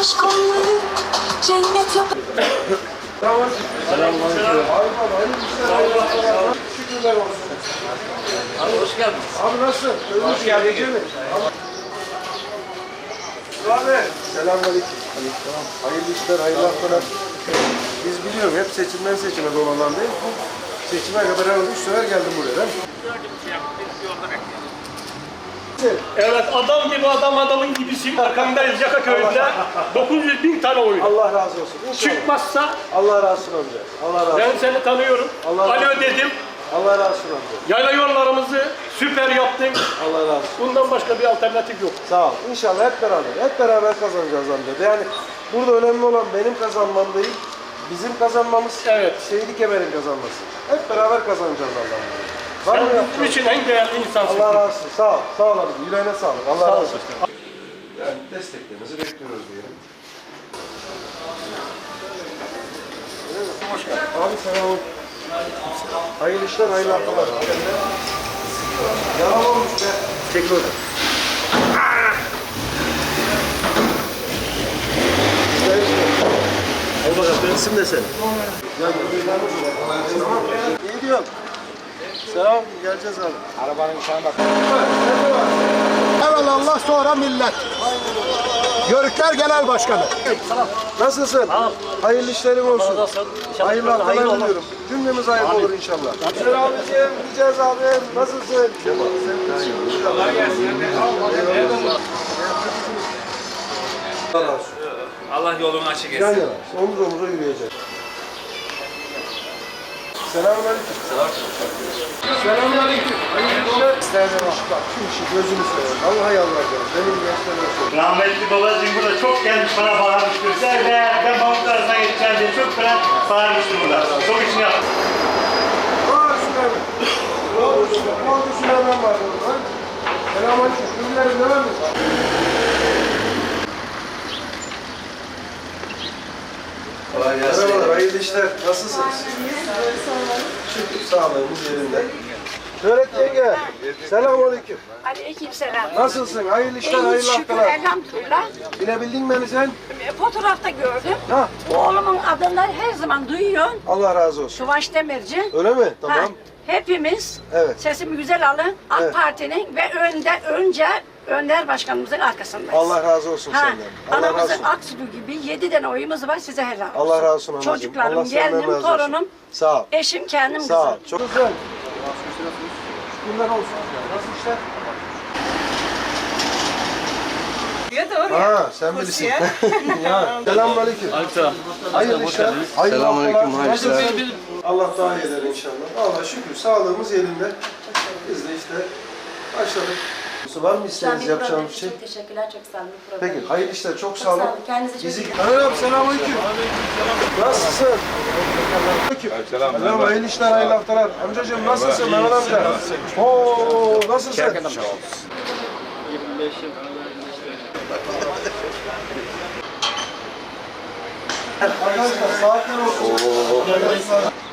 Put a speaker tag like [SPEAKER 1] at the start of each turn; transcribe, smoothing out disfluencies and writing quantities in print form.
[SPEAKER 1] aşk onları cennet yap.
[SPEAKER 2] Selamünaleyküm.
[SPEAKER 3] Şükürler olsun.
[SPEAKER 2] Abi hoş geldin.
[SPEAKER 3] Abi nasılsın? Hoş geldin. Abi. Selamünaleyküm. Aleykümselam. Hayırlı işler, hayırlı haftalar. Biz biliyorum hep seçimden seçime dolanan değil. Seçime kadar herhalde 3 sefer geldim buraya değil mi?
[SPEAKER 4] Evet, adam gibi adam adamın gibisin. Arkamdayız Yakaköy'de. 900.000 tane oyun.
[SPEAKER 3] Allah razı olsun. İnşallah.
[SPEAKER 4] Çıkmazsa
[SPEAKER 3] Allah razı olsun amca. Allah razı olsun.
[SPEAKER 4] ben seni tanıyorum.
[SPEAKER 3] Allah razı
[SPEAKER 4] Alo
[SPEAKER 3] olsun.
[SPEAKER 4] dedim.
[SPEAKER 3] Allah razı olsun amca.
[SPEAKER 4] Yayla yollarımızı süper yaptın.
[SPEAKER 3] Allah razı olsun.
[SPEAKER 4] Bundan başka bir alternatif yok.
[SPEAKER 3] Sağ ol. İnşallah hep beraber kazanacağız amca. Yani burada önemli olan benim kazanmam değil, bizim kazanmamız,
[SPEAKER 4] Evet.
[SPEAKER 3] Seydi Kemer'in kazanması. Hep beraber kazanacağız Allah'ım. Var
[SPEAKER 4] Sen
[SPEAKER 3] mı
[SPEAKER 4] bizim
[SPEAKER 3] yapacağız?
[SPEAKER 4] için en değerli insansın.
[SPEAKER 3] Allah razı olsun. Sağ ol. Sağ ol abi. Yüreğine sağlık. Allah
[SPEAKER 4] Sağ
[SPEAKER 3] razı
[SPEAKER 4] ol.
[SPEAKER 3] olsun. Yani desteklerinizi bekliyoruz diyelim. Hoş geldin. Abi selam. Hayırlı işler, hayırlı haftalar. Yalan olmuş be. Çek orada.
[SPEAKER 2] Al bakalım isim de sen.
[SPEAKER 3] İyi diyorum. Selam, geleceğiz abi.
[SPEAKER 5] Arabanın içine bak. Evvel Allah sonra millet. Yörükler Genel Başkanı.
[SPEAKER 3] Nasılsın? Hayırlı işlerin olsun. Hayırlı haftalar
[SPEAKER 4] hayırlı olur.
[SPEAKER 3] diliyorum. Cümlemiz hayırlı olur inşallah. Güzel abicim, gideceğiz abi. Nasılsın? Kolay gelsin. Allah razı olsun.
[SPEAKER 2] Allah yolunu açık
[SPEAKER 3] Yan
[SPEAKER 2] etsin.
[SPEAKER 3] yana, omuz omuza yürüyeceğiz. Selamünaleyküm. Selamünaleyküm. Hayırlı işler. Bak şu işi gözünü seveyim. Allah'a yalvaracağım. Benim gençler olsun.
[SPEAKER 6] Rahmetli babacığım burada çok gelmiş para bağırmıştır. Ben Mahmut arasına geçeceğim diye çok para bağırmıştım burada. Çok için yaptım.
[SPEAKER 3] Var Süleyman. Ne oldu Süleyman var burada? Selamünaleyküm. Ürünlerin ne var mı?
[SPEAKER 2] Kolay gelsin.
[SPEAKER 3] Merhabalar, hayırlı işler. Nasılsınız? Şükür, sağlığımız yerinde. Şöhret yenge, selamünaleyküm.
[SPEAKER 7] Aleykümselam.
[SPEAKER 3] Nasılsın? Hayırlı işler, hayırlı
[SPEAKER 7] İyi şükür
[SPEAKER 3] haftalar.
[SPEAKER 7] elhamdülillah.
[SPEAKER 3] Bilebildin beni sen?
[SPEAKER 7] Fotoğrafta gördüm.
[SPEAKER 3] Ha,
[SPEAKER 7] Oğlumun adını her zaman duyuyorsun.
[SPEAKER 3] Allah razı olsun.
[SPEAKER 7] Suvaş Demirci.
[SPEAKER 3] Öyle mi?
[SPEAKER 7] Ha,
[SPEAKER 3] Tamam.
[SPEAKER 7] hepimiz
[SPEAKER 3] Evet.
[SPEAKER 7] sesimi güzel alın. AK
[SPEAKER 3] Evet.
[SPEAKER 7] Parti'nin ve önce Önder Başkanımızın arkasındayız.
[SPEAKER 3] Allah razı olsun
[SPEAKER 7] Ha,
[SPEAKER 3] senden. Allah razı
[SPEAKER 7] anamızın
[SPEAKER 3] olsun.
[SPEAKER 7] aksudu gibi 7 tane oyumuz var, size helal olsun.
[SPEAKER 3] Allah razı olsun anacığım.
[SPEAKER 7] Çocuklarım,
[SPEAKER 3] Allah senden
[SPEAKER 7] gelinim,
[SPEAKER 3] razı olsun.
[SPEAKER 7] torunum,
[SPEAKER 3] Sağ ol.
[SPEAKER 7] eşim, kendim,
[SPEAKER 3] Sağ ol.
[SPEAKER 7] kızım.
[SPEAKER 3] Çok güzel. Şükürler olsun. Nasıl işler? Ha, sen bilirsin. Ya, selamünaleyküm.
[SPEAKER 4] Aleykümselam.
[SPEAKER 3] Hayırlı işler. Hayırlı
[SPEAKER 2] Selamünaleyküm,
[SPEAKER 3] haftalar.
[SPEAKER 2] hayırlı işler.
[SPEAKER 3] Allah daha iyi eder inşallah. Allah şükür sağlığımız yerinde. Biz de işte başladık. Var mı isteğiniz yapacağımız bir şey?
[SPEAKER 8] Çok teşekkürler, çok sağ olun.
[SPEAKER 3] Peki, hayırlı işler. Çok sağ
[SPEAKER 8] sağ
[SPEAKER 3] olun.
[SPEAKER 8] olun. Kendinize çok iyi bakın.
[SPEAKER 3] Merhaba, selamünaleyküm. Nasılsın? Selam. Merhaba, hayırlı işler, hayırlı haftalar. Amcacığım nasılsın Mehmet amca? Oo, nasılsın? Arkadaşlar saatler olsun.